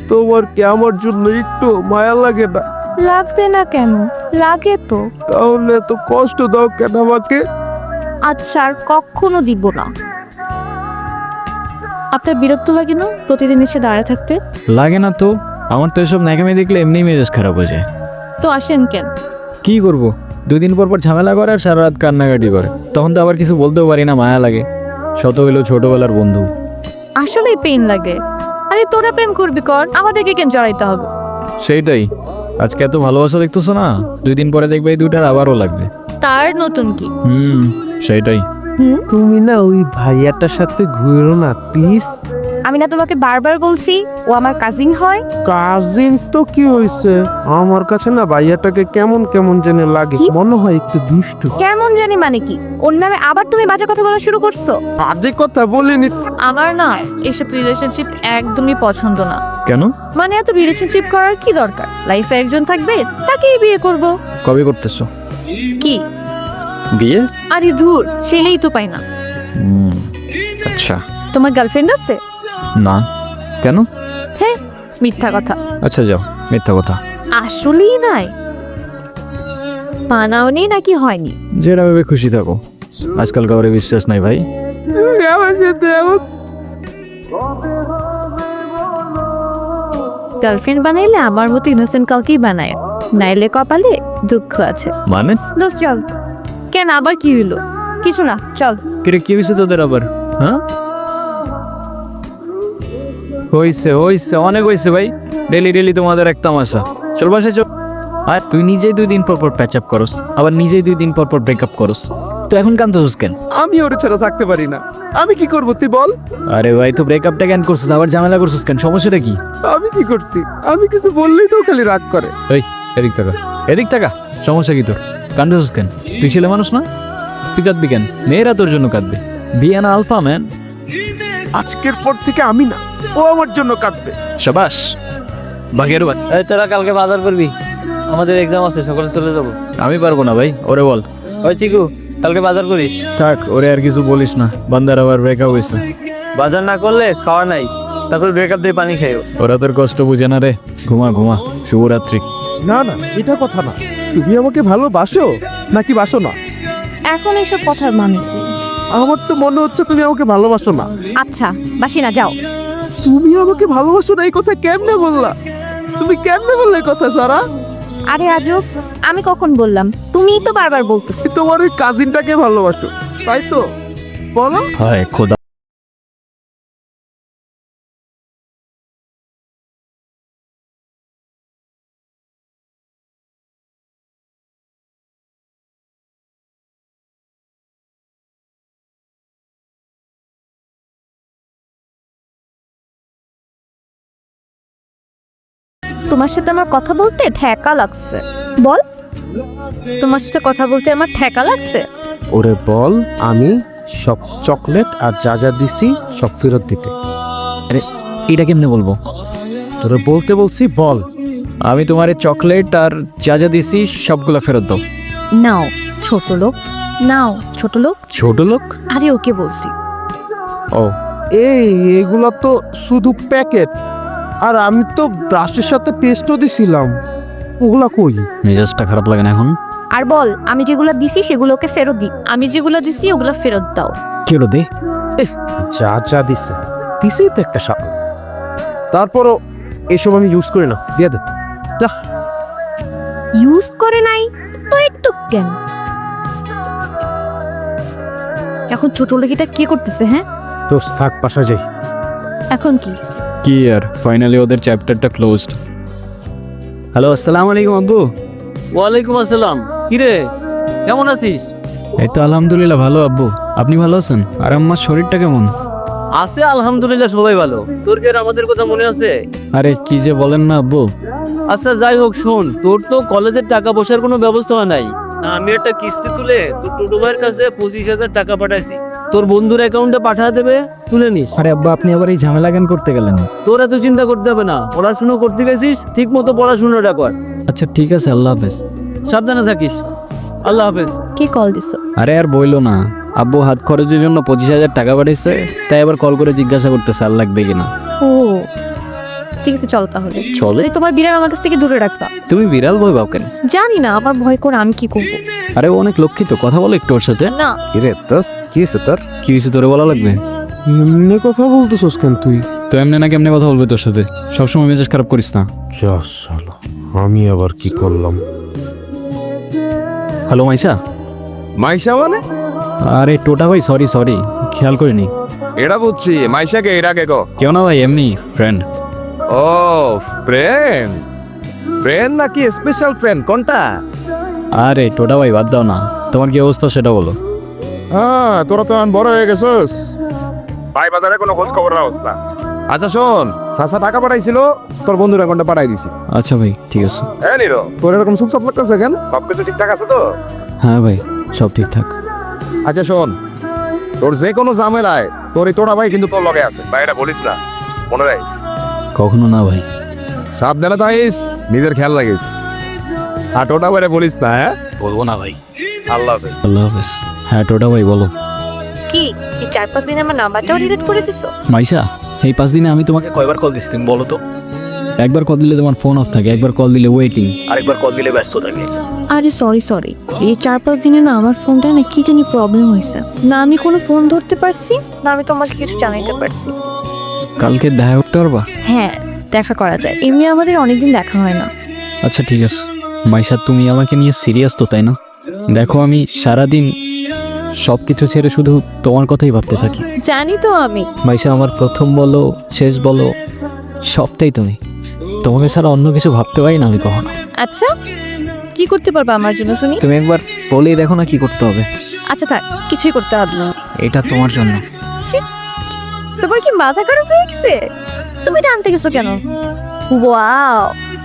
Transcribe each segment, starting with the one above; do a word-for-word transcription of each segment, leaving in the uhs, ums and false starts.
তোমার কি আমার জন্য একটু মায়া লাগে না? লাগবে না কেন, লাগে তো। তাহলে তো কষ্ট দাও কেন আমাকে? আচ্ছা আর কখনো দিব না। আপনার বিরক্ত লাগে না প্রতিদিন এসে দাঁড়ায় থাকতে? লাগে না তো, আমার তো এসব ন্যাকামি দেখলে এমনি মেজাজ খারাপ হয়ে যায়। তো আসেন কেন? কি করব, দুই দিন পর পর ঝামেলা করে আর সারা রাত কান্নাকাটি করে, তখন তো আবার কিছু বলতেও পারি না, মায়া লাগে। শত হইলেও ছোটবেলার বন্ধু। আসলেই পেন লাগে। আরে তোরা প্রেম করবি কর, আমাদেরকে কেন জড়াইতে হবে? সেইটাই, আজকে এত ভালোবাসা দেখতেছো না, দুই দিন পরে দেখবে এই দুইটার আবারও লাগবে। তার নতুন কি? হুম, সেইটাই। হুম, তুমি না ওই ভাইয়াটার সাথে ঘুরো না প্লিজ। আমি না তোমাকে বারবার বলছি ও আমার কাজিন হয়। কাজিন তো কি হয়েছে, আমার কাছে না ভাইয়াটাকে কেমন কেমন জেনে লাগে, কি? মনে হয় একটু দুষ্টু। কেমন জানি মানে কি? ওর নামে আবার তুমি বাজে কথা বলা শুরু করছো? বাজে কথা বলিনি। আমার না এসব রিলেশনশিপ একদমই পছন্দ না। কেন? মানে এত রিলেশনশিপ করার কি দরকার? লাইফে একজন থাকবে, তাকেই বিয়ে করব। কবে করতেছো কি বিয়ে? আরে ধুর, ছেলেই তো পাই না। হুম, আচ্ছা। তোমার গার্লফ্রেন্ড আছে? না। কেন? হ্যাঁ, মিথ্যা কথা। আচ্ছা যাও, মিথ্যা কথা। আসলেই নাই? বানাওনি নাকি হয়নি? যেটা ভেবে খুশি থাকো, আজকাল কাউরে বিশ্বাস নাই ভাই। তুমি আমার সাথে এমন গার্লফ্রেন্ড বানাইলে আমার মতো ইনোসেন্ট কাউকেই বানায়, নাইলে কপালে দুঃখ আছে। মানে? দোস্ত চল। কেন আবার কি হইলো? কিছু না, চল। কিরে, কি হয়েছে তোদের আবার? হ্যাঁ, হইছে হইছে, অনেক হইছে ভাই। ডেলি ডেলি তোমাদের এক তামাশা। চল বাসায় চল। আর তুই নিজেই দুই দিন পর পর প্যাচ আপ করস, আবার নিজেই দুই দিন পর পর ব্রেকআপ করস, তো এখন কান্দছিস কেন? আমি ওর ছাড়া থাকতে পারি না। আমি কি করবো তুই বল? আরে ভাই, তো ব্রেকআপটা কেন করছিস, আবার ঝামেলা করছিস কেন, সমস্যাটা কি? আমি কি করছি? আমি কিছু বললেই তো ও খালি রাগ করে। এই এদিক টাকা, এদিক টাকা, সমস্যা কি তোর? কান্দছিস কেন? তুই ছেলে মানুষ না? তুই কাঁদবি কেন? মেয়েরা তোর জন্য কাঁদবে। বিয়ানা আলফা ম্যান। আজকের পর থেকে আমি না, ও আমার জন্য কাঁদবে। শাবাশ, বাঘের বাচ্চা। এই তোরা কালকে বাজার করবি, আমাদের এক্সাম আছে, সকালে চলে যাবো। আমি পারবো না ভাই, ওরে বল। ওই চিকু, কালকে বাজার করিস। থাক, ওরে আর কিছু বলিস না, বান্দার আবার ব্রেকআপ হয়েছে। বাজার না করলে খাওয়া নাই, তারপর ব্রেকআপ দিয়ে পানি খাইও। ওরা তোর কষ্ট বুঝে না রে। ঘুমা ঘুমা, শুভরাত্রি। না না, এটা কথা না। তুমি আমাকে ভালোবাসো নাকি বাসো না? এখন এসব কথার মানে কি? আমার তো মনে হচ্ছে তুমি আমাকে ভালোবাসো না। আচ্ছা, বাসি না, যাও। তুমি আমাকে ভালোবাসো না এই কথা কেমনে বললা? তুমি কেমনে বললে এই কথা সারা? আরে আজব, আমি কখন বললাম? তুমিই তো বারবার বলতেছো। তুমি তোমার ওই কাজিনটাকে ভালোবাসো, তাই তো? বলো। হায় খোদা। তোমার সাথে আমার কথা বলতে ঠেকা লাগছে। বল, তোমার সাথে কথা বলতে আমার ঠেকা লাগছে? ওরে বল, আমি সব চকলেট আর যা যা দিছি সব ফেরত দিতে। আরে এটা কেমনে বলবো? তোরে বলতে বলছি, বল। আমি তোমার চকলেট আর যা যা দিছি সবগুলো ফেরত দাও। নাও ছোট লোক, নাও ছোট লোক। ছোট লোক? আরে ওকে বলছি। ও, এই এগুলা তো শুধু প্যাকেট, আর আমি তো ব্রাশের সাথে পেস্টও দিছিলাম, ওগুলা কই? মেজাজটা খারাপ লাগে না এখন? আর বল, আমি যেগুলো দিছি সেগুলোকে ফেরত দি। আমি যেগুলো দিছি ওগুলো ফেরত দাও। কি হলো দে? যা যা দিছে দিছি তো একটা সাপ, তারপরও এসব আমি ইউজ করি না, দিয়ে দে। যা। ইউজ করে নাই তো একটু কেন? এখন ছোট লোকিটা কি করতেছে? হ্যাঁ, তো থাক, পাশা যাই। এখন কি? কি আর, ফাইনালি ওদের চ্যাপ্টারটা ক্লোজড। হ্যালো, আসসালামু আলাইকুম আব্বু। ওয়ালাইকুম আসসালাম। কিরে, কেমন আছিস? এই তো আলহামদুলিল্লাহ ভালো আব্বু, আপনি ভালো আছেন? আর আমার শরীরটা কেমন? আছে আলহামদুলিল্লাহ, সবাই ভালো। তোর কি আর আমাদের কথা মনে আছে? আরে কি যে বলেন না আব্বু। আচ্ছা যাই হোক, শোন, তোর তো কলেজের টাকা পয়সার কোনো ব্যবস্থা নাই। আমি একটা কিস্তি তুলে তোর টোটো ভাইয়ের কাছে পঁচিশ হাজার টাকা পাঠাইছি, তোর বন্ধুর অ্যাকাউন্টে পাঠা দেবে, তুলে নিস। আরে আব্বা, আপনি আবার এই ঝামেলা কেন করতে গেলেন? তোর এত চিন্তা করতে হবে না, পড়াশুনো করতে গেছিস, ঠিক মতো পড়াশুনোটা কর। আচ্ছা ঠিক আছে, আল্লাহ হাফেজ। সাবধানে থাকিস। আল্লাহ হাফেজ। কে কল দিছো? আরে আর বইলো না, আব্বু হাত খরচের জন্য পঁচিশ হাজার টাকা পাঠাইছে, তাই আবার কল করে জিজ্ঞাসা করতেছে আর লাগবে কিনা। ও ঠিক আছে চলো তাহলে। চলে? মানে তোমার বিড়াল আমার কাছ থেকে দূরে রাখবা। তুমি বিড়াল ভয় পাও কেন? জানি না, আমার ভয় করে আমি কি করবো। আরে ও অনেক লক্ষ্মী তো, কথা বলে একটু ওর সাথে। না কি রে দোস্ত, কি হয়েছে তোর? কি হয়েছে তোরে বলা লাগবে? এমনি কথা বলতেছস কেন তুই? তো এমনি না কেমনে কথা বলবে তোর সাথে? সবসময় মেজাজ খারাপ করিস না। যা শালা, আমি আবার কি করলাম? হ্যালো মাইশা। মাইশা মানে? আরে টোটা ভাই, সরি সরি, খেয়াল করিনি। এটা বুঝছি, মাইশাকে এটা কে গো? কেউ না ভাই, এমনি ফ্রেন্ড। ও ফ্রেন্ড, ফ্রেন্ড নাকি স্পেশাল ফ্রেন্ড কোনটা? আরে টোটা ভাই বাদ দাও না, তোমার কি অবস্থা সেটা বলো। হ্যাঁ, তোরা তো এখন বড় হয়ে গেছিস, ভাই বাজারে কোনো খোঁজ খবর রাখছ না। আচ্ছা শোন, সাসা টাকা পাঠাইছিল, তোর বন্ধুর অ্যাকাউন্টে পাঠাই দিছি। আচ্ছা ভাই ঠিক আছে। হ্যাঁ নিরো, তোর এরকম সুখ সাপ লাগতেছে কেন? সব কিছু ঠিকঠাক আছে তো? হ্যাঁ ভাই, সব ঠিকঠাক। আচ্ছা শোন, তোর যে কোনো ঝামেলায় তোর এই তোরা ভাই কিন্তু তোর লগে আছে, ভাই এটা বলিস না, মনে রাখিস। কখনো না ভাই। সাবধানে থাকিস, নিজের খেয়াল রাখিস, আর টোটা ভাইরে বলিস না। হ্যাঁ বলবো না ভাই। আল্লাহ হাফেজ। আল্লাহ হাফেজ। হ্যাঁ টোটা ভাই বলো। কি এই চার পাঁচ দিন আমার নাম্বারটাও ডিলিট করে দিছো? মাইশা, এই পাঁচ দিনে আমি তোমাকে কয়বার কল দিচ্ছি তুমি বলো তো? একবার কল দিলে তোমার ফোন অফ থাকে, একবার কল দিলে ওয়েটিং, আরেকবার কল দিলে ব্যস্ত থাকে। আরে সরি সরি, এই চার পাঁচ দিনে না আমার ফোনটা না কি জানি প্রবলেম হয়েছে, না আমি কোনো ফোন ধরতে পারছি না আমি তোমাকে কিছু জানাইতে পারছি। কালকে দেখা করতে পারবা? হ্যাঁ দেখা করা যায়, এমনি আমাদের অনেকদিন দেখা হয় না। আচ্ছা ঠিক আছে। মাইশা তুমি আমাকে নিয়ে সিরিয়াস তো তাই না? দেখো আমি সারাদিন সব কিছু ছেড়ে শুধু তোমার কথাই ভাবতে থাকি। জানি তো আমি। মাইশা আমার প্রথম বলো শেষ বলো সবটাই তুমি, তোমাকে ছাড়া অন্য কিছু ভাবতে পারি না আমি কখনো। আচ্ছা কি করতে পারবা আমার জন্য শুনি? তুমি একবার বলেই দেখো না কি করতে হবে। আচ্ছা থাক, কিছুই করতে হবে না। এটা তোমার জন্য। তোমার কি মাথা খারাপ হয়ে গেছে? তুমি এটা আনতে গেছো কেন? ওয়াও,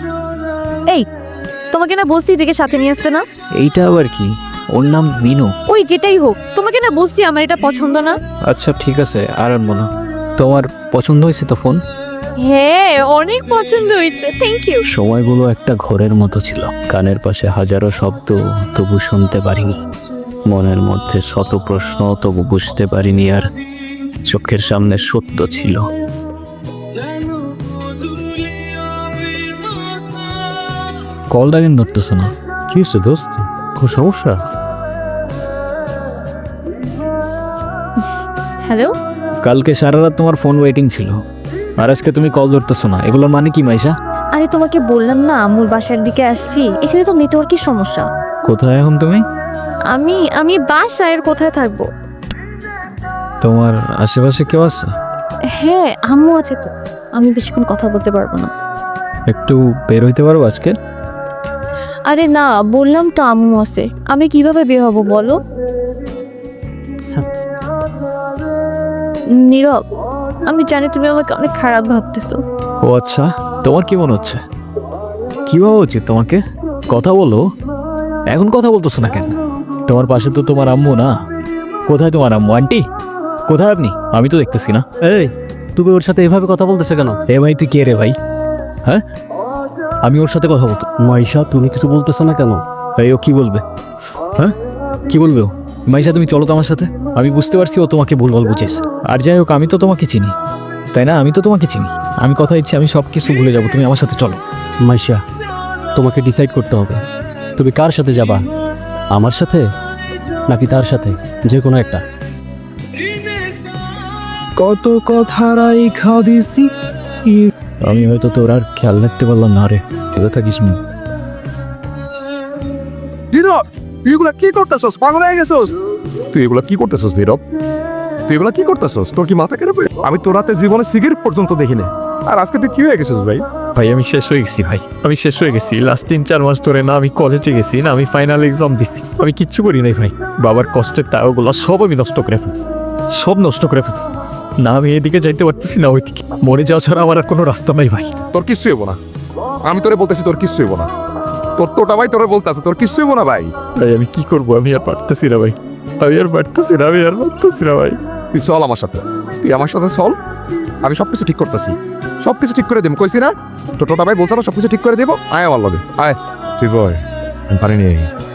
এই তোমাকে না বলছি এটাকে সাথে নিয়ে আসতে না? এইটা আবার কি? ওর নাম মিনু। ওই যেটাই হোক, তোমাকে না বলছি আমার এটা পছন্দ না। আচ্ছা ঠিক আছে, আর আনবো না। তোমার পছন্দ হয়েছে তো ফোন? হ্যাঁ অনেক পছন্দ হয়েছে, থ্যাংক ইউ। সময়গুলো একটা ঘোরের মতো ছিল, কানের পাশে হাজারো শব্দ তবু শুনতে পারিনি, মনের মধ্যে শত প্রশ্ন তবু বুঝতে পারিনি, আর চোখের সামনে সত্য ছিল। কলটা কেন ধরতেছে না? কি হয়েছে দোস্ত, কোনো সমস্যা? হ্যালো, কালকে সারা রাত তোমার ফোন ওয়েটিং ছিল, আর আজকে তুমি কল ধরতেছো না, এগুলোর মানে কি মাইশা? আরে তোমাকে বললাম না আমুর বাসার দিকে আসছি, এখানে তো নেটওয়ার্কের সমস্যা। কোথায় এখন তুমি? আমি আমি বাসায়, আর কোথায় থাকবো? তোমার আশেপাশে কেউ আছে? হ্যাঁ আম্মু আছে তো, আমি বেশিক্ষণ কথা বলতে পারবো না। একটু বের হইতে পারবো আজকে? আরে না বললাম তো আম্মু আছে, আমি কিভাবে বের হবো বলো? নীরব, আমি জানি তুমি আমাকে অনেক খারাপ ভাবতেছো। ও আচ্ছা, তোমার কি মনে হচ্ছে? কি ভাবা উচিত তোমাকে? কথা বলো। এখন কথা বলতেছো না কেন? তোমার পাশে তো তোমার আম্মু না? কোথায় তোমার আম্মু? আন্টি কোথায় আপনি? আমি তো দেখতেছি না। এই তুমি ওর সাথে এভাবে কথা বলতেছে কেন? এ ভাই তুই কে রে ভাই? হ্যাঁ, আমি ওর সাথে কথা বলতে। মাইশা তুমি কিছু বলতেছো না কেন? এই ও কি বলবে? হ্যাঁ কি বলবে ও? মাইশা তুমি চলো তো আমার সাথে। আমি বুঝতে পারছি ও তোমাকে ভুলভাল বুঝেছ, আর যাই হোক আমি তো তোমাকে চিনি তাই না? আমি তো তোমাকে চিনি, আমি কথা দিচ্ছি আমি সব কিছু ভুলে যাবো, তুমি আমার সাথে চলো। মাইশা তোমাকে ডিসাইড করতে হবে, তুমি কার সাথে যাবা, আমার সাথে নাকি তার সাথে, যে কোনো একটা। কত কথা রাইখা দিছি, আমি হয়তো তোর আর খেয়াল রাখতে পারলাম না রে। ভালো থাকিস নি। নীরব, তুই এগুলা কি করতেছস? পাগল হয়ে গেছস? তুই এগুলা কি করতেছস নীরব? তুই এগুলা কি করতেছস? তোর কি মাথা খারাপ? আমি তোর রাতে জীবনে সিগারেট পর্যন্ত দেখিনি, আর আজকে তুই কি হয়ে গেছিস ভাই? ভাই আমি শেষ হয়ে গেছি ভাই, আমি শেষ হয়ে গেছি। লাস্ট তিন চার মাস ধরে না আমি কলেজে গেছি, না আমি ফাইনাল এক্সাম দিছি, আমি কিচ্ছু করি নাই ভাই। বাবার কষ্টের টাকাগুলো সব আমি নষ্ট করে ফেলছি, সব নষ্ট করে ফেলছি। না আমি এদিকে যাইতে পারতেছি না ওইদিকে, মরে যাওয়া ছাড়া আমার আর কোনো রাস্তা নাই ভাই। তোর কিচ্ছু হইব না, আমি তোরে বলতেছি তোর কিচ্ছু হইব না। তোর তোটা ভাই তোরে বলতেছে তোর কিচ্ছু হইব না ভাই। ভাই আমি কি করবো, আমি আর পারতেছি না ভাই, আমি আর পারতেছি না, আমি আর পারতেছি না ভাই। তুই চল আমার সাথে, তুই আমার সাথে চল, আমি সব কিছু ঠিক করতেছি, সব কিছু ঠিক করে দেবো। কইছি না তোর তোটা ভাই বলছে না সব কিছু ঠিক করে দেবো। আয় আমার লগে আয়, তুই বয় পারি নি।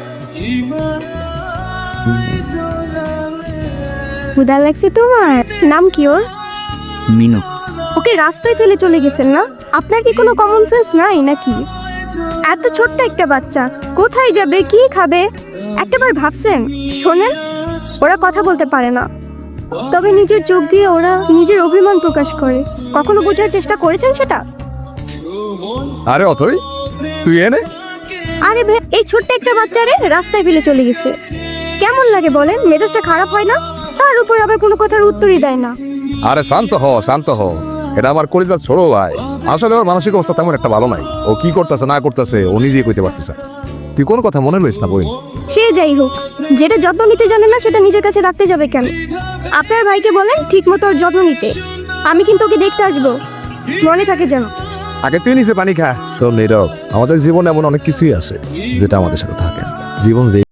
ক্ষুধা লাগছে তোমার? নাম কি ওর? মিনু। ওকে রাস্তায় ফেলে চলে গেছেন না? আপনার কি কোনো কমন সেন্স নাই নাকি? এত ছোট্ট একটা বাচ্চা কোথায় যাবে, কি খাবে, একটাবার ভাবছেন? শোনেন, ওরা কথা বলতে পারে না, তবে নিজের চোখ দিয়ে ওরা নিজের অভিমান প্রকাশ করে। কখনো বোঝার চেষ্টা করেছেন সেটা? আরে অথই, তুই এনে আরে ভে, এই ছোট্ট একটা বাচ্চারে রাস্তায় ফেলে চলে গেছে। কেমন লাগে বলেন? মেজাজটা খারাপ হয় না? তার উপর আবার কোনো কথার উত্তরই দেয় না। আরে শান্ত হ শান্ত হ এটা আমার কলিজার ছোট ভাই। আসলে ওর মানসিক অবস্থা তেমন একটা ভালো নাই। ও কি করতেছে না করতেছে ও নিজেই কইতে পারতেছে না। তুই কোন কথা মনে লইস না বই। সে যাই হোক, যেটা যত্ন নিতে জানে না সেটা নিজের কাছে রাখতে যাবে কেন? আপনার ভাইকে বলেন ঠিক মতো ওর যত্ন নিতে। আমি কিন্তু ওকে দেখতে আসবো, মনে থাকে যেন। আগে তুই নিচে পানি খা। শোন নীরব, আমাদের জীবনে এমন অনেক কিছুই আছে যেটা আমাদের সাথে থাকে না। জীবন যে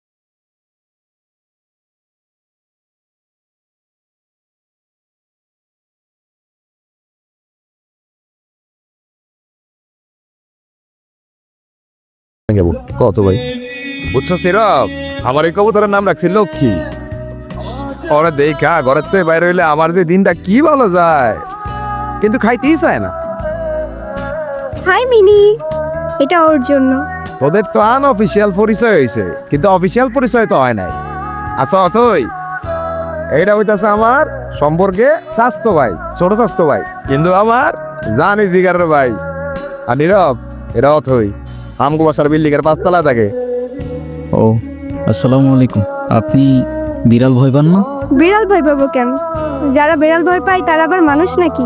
কত ভাই বুঝছো সিরব, আমার এই কবুতরের নাম রাখছি লক্ষ্মী। ওরা দেখা ঘরের থেকে বাইরে হইলে আমার যে দিনটা কি ভালো যায়, কিন্তু খাইতেই চায় না। হাই মিনি, এটা ওর জন্য। তোদের তো আনঅফিসিয়াল পরিচয় হয়েছে, কিন্তু অফিসিয়াল পরিচয় তো হয় নাই। আচ্ছা অথই, এইটা হইতাছে আমার সম্পর্কে স্বাস্থ্য ভাই, ছোট স্বাস্থ্য ভাই, কিন্তু আমার জানি জিগারের ভাই। আর নীরব, এটা অথই আমগো বাসার বিল্ডিং এর পাঁচতলা থাকে। ও আসসালামু আলাইকুম। আপনি বিড়াল ভয় পান না? বিড়াল ভয় পাবো কেন? যারা বিড়াল ভয় পায় তারা আবার মানুষ নাকি?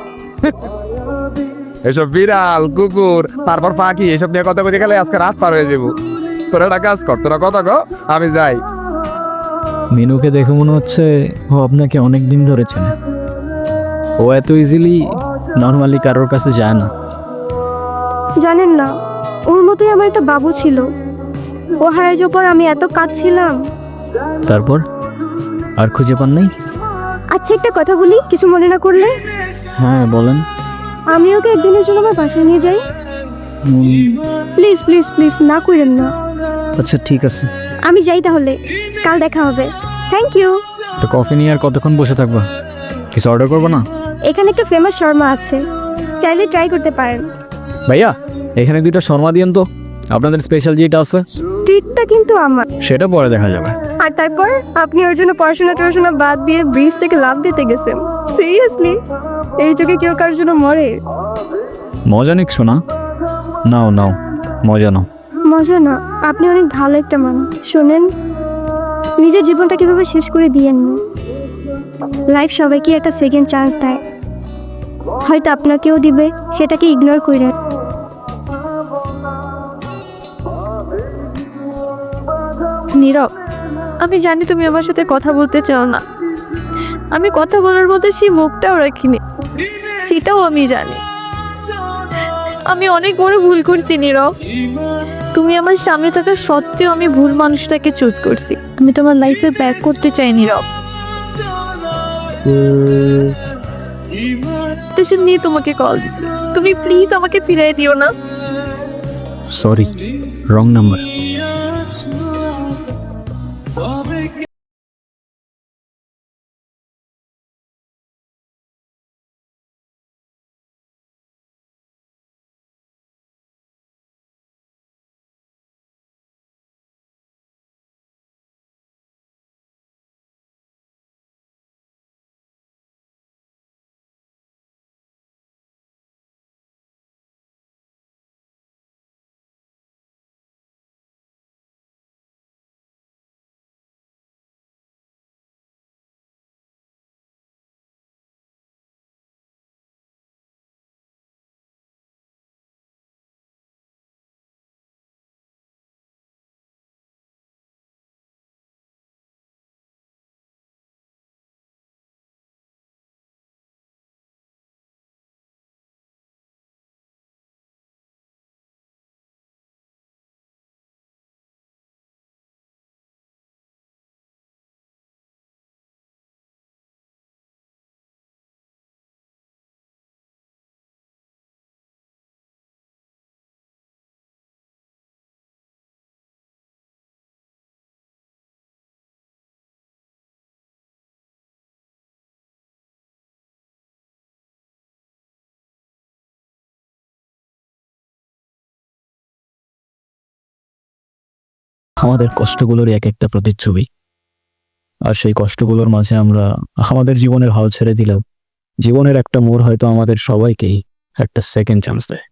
এসব বিড়াল কুকুর তারপর পাখি এসব নিয়ে কথা বলতে গেলে আজকে রাত পার হয়ে যাবো। তোরা একটা কাজ কর, তোরা কথা কো, আমি যাই। মিনুকে দেখে মনে হচ্ছে ও আপনাকে অনেক দিন ধরে চেনে। ও এত ইজিলি নর্মালি কারোর কাছে যায় না। জানেন না, ওর মতোই আমার একটা বাবু ছিল। ও হারাই যাওয়ার পর আমি এত কাঁদছিলাম। তারপর আর খুঁজে পান নাই? আচ্ছা একটা কথা বলি, কিছু মনে না করলে? হ্যাঁ বলেন। আমি ওকে একদিনের জন্য আমার বাসায় নিয়ে যাই। উম, প্লিজ প্লিজ প্লিজ, না করেন না। আচ্ছা ঠিক আছে। আমি যাই তাহলে, কাল দেখা হবে। Thank you. তো কফি নিয়ে আর কতক্ষণ বসে থাকবা? কিছু অর্ডার করবো না? এখানে একটা ফেমাস শর্মা আছে, চাইলে ট্রাই করতে পারেন। ভাইয়া এখানে দুইটা শর্মা দিয়েন তো, আপনাদের স্পেশাল যেটা আছে। ট্রিটটা কিন্তু আমার। সেটা পরে দেখা যাবে। আর তারপর আপনি ওর জন্য পড়াশোনা টড়াশোনা বাদ দিয়ে ব্রিজ থেকে লাফ দিতে গেছেন। সিরিয়াসলি, এই যুগে কেউ কারোর জন্য মরে? মজা নিক শোনা। নাও নাও, মজা নাও। মজা না, আপনি অনেক ভালো একটা মানুষ। শোনেন, নিজের জীবনটা কিভাবে শেষ করে দিয়েন না। লাইফ সবাইকে একটা সেকেন্ড চান্স দেয়, হয়তো আপনাকেও দিবে, সেটাকে ইগনোর করেন। নীরব, আমি জানি তুমি আমার সাথে কথা বলতে চাও না। আমি কথা বলার মতো সেই মুখটাও রাখিনি, সেটাও আমি জানি। আমি অনেক বড় ভুল করছি নীরব। তুমি আমার সামনে থাকা সত্ত্বেও আমি ভুল মানুষটাকে চুজ করছি। আমি তোমার লাইফে ব্যাক করতে চাই নীরব। স্টেশন নিয়ে তোমাকে কল দিছি, তুমি প্লিজ আমাকে ফিরিয়ে দিও না। Sorry, wrong number. আমাদের কষ্টগুলোর এক একটা প্রতিচ্ছবি। আর সেই কষ্টগুলোর মাঝে আমরা আমাদের জীবনের হাল ছেড়ে দিলেও জীবনের একটা মোড় হয়তো আমাদের সবাইকেই একটা সেকেন্ড চান্স দেয়।